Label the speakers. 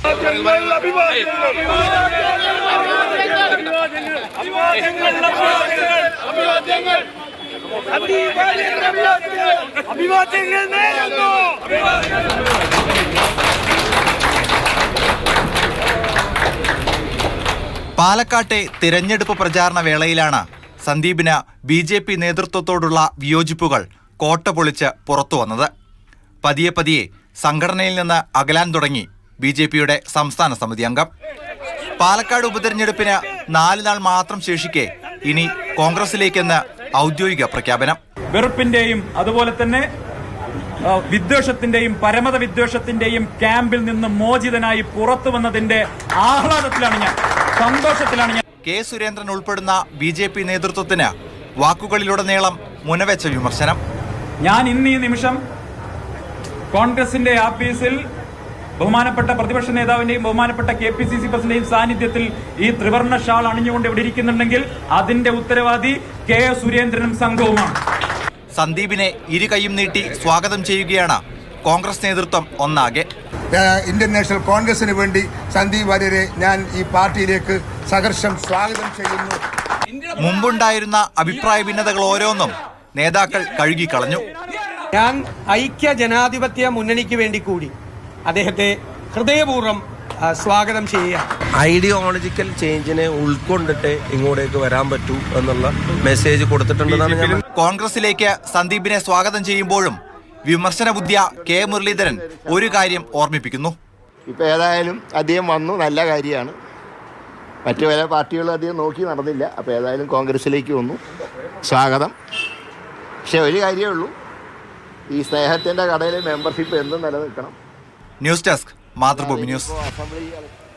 Speaker 1: പാലക്കാട്ടെ തിരഞ്ഞെടുപ്പ് പ്രചാരണ വേളയിലാണ് സന്ദീപിന് ബി.ജെ.പി. നേതൃത്വത്തോടുള്ള വിയോജിപ്പുകൾ കോട്ട പൊളിച്ച് പുറത്തുവന്നത്. പതിയെ പതിയെ സംഘടനയിൽ നിന്ന് അകലാൻ തുടങ്ങി ബി.ജെ.പിയുടെ സംസ്ഥാന സമിതി അംഗം. പാലക്കാട് ഉപതെരഞ്ഞെടുപ്പിന് 4 നാൾ മാത്രം ശേഷിക്കെ ഇനി കോൺഗ്രസിലേക്കെന്ന് ഔദ്യോഗിക പ്രഖ്യാപനം.
Speaker 2: വെറുപ്പിന്റെയും അതുപോലെ തന്നെ വിദ്വേഷത്തിന്റെയും പരമത വിദ്വേഷത്തിന്റെയും ക്യാമ്പിൽ നിന്ന് മോചിതനായി പുറത്തു വന്നതിന്റെ ആഹ്ലാദത്തിലാണ് ഞാൻ, സന്തോഷത്തിലാണ് ഞാൻ.
Speaker 1: കെ സുരേന്ദ്രൻ ഉൾപ്പെടുന്ന ബി.ജെ.പി. നേതൃത്വത്തിന് വാക്കുകളിലുടനീളം മുനവെച്ച വിമർശനം.
Speaker 2: ഞാൻ ഇന്ന് ഈ നിമിഷം കോൺഗ്രസിന്റെ ആഫീസിൽ ബഹുമാനപ്പെട്ട പ്രതിപക്ഷ നേതാവിന്റെയും ബഹുമാനപ്പെട്ട KPCC പ്രസിഡന്റിന്റെയും സാന്നിധ്യത്തിൽ ഈ ത്രിവർണ്ണ ഷാൾ അണിഞ്ഞുകൊണ്ട് ഇവിടെ ഇരിക്കുന്നുണ്ടെങ്കിൽ അതിന്റെ ഉത്തരവാദി കെ സുരേന്ദ്രനും സംഘവുമാണ്.
Speaker 1: സന്ദീപിനെ ഇരു കൈയും നീട്ടി സ്വാഗതം ചെയ്യുകയാണ് കോൺഗ്രസ് നേതൃത്വം ഒന്നാകെ.
Speaker 3: ഇന്ത്യൻ നാഷണൽ കോൺഗ്രസിന് വേണ്ടി സന്ദീപ് വാര്യരെ ഞാൻ ഈ പാർട്ടിയിലേക്ക് സഹർഷം സ്വാഗതം ചെയ്യുന്നു.
Speaker 1: മുമ്പുണ്ടായിരുന്ന അഭിപ്രായ ഭിന്നതകൾ ഓരോന്നും നേതാക്കൾ കഴുകിക്കളഞ്ഞു.
Speaker 4: ഞാൻ ഐക്യ ജനാധിപത്യ മുന്നണിക്ക് വേണ്ടി കൂടി അദ്ദേഹത്തെ ഹൃദയപൂർവ്വം സ്വാഗതം ചെയ്യുക.
Speaker 5: ഐഡിയോളജിക്കൽ ചേഞ്ചിനെ ഉൾക്കൊണ്ടിട്ട് ഇങ്ങോട്ടേക്ക് വരാൻ പറ്റൂ എന്നുള്ള മെസ്സേജ് കൊടുത്തിട്ടുണ്ടെന്നാണ് ഞാൻ.
Speaker 1: കോൺഗ്രസിലേക്ക് സന്ദീപിനെ സ്വാഗതം ചെയ്യുമ്പോഴും വിമർശന ബുദ്ധിയ കെ മുരളീധരൻ ഒരു കാര്യം ഓർമ്മിപ്പിക്കുന്നു.
Speaker 6: ഇപ്പം ഏതായാലും അദ്ദേഹം വന്നു, നല്ല കാര്യമാണ്. മറ്റു പല പാർട്ടികളും അധികം നോക്കി നടന്നില്ല. അപ്പോൾ ഏതായാലും കോൺഗ്രസിലേക്ക് വന്നു, സ്വാഗതം. പക്ഷെ ഒരു കാര്യമേ ഉള്ളൂ, ഈ സ്നേഹത്തിൻ്റെ കടയിൽ മെമ്പർഷിപ്പ് എന്നും നിലനിൽക്കണം.
Speaker 1: News desk, Mathrubhumi news.
Speaker 6: Assembly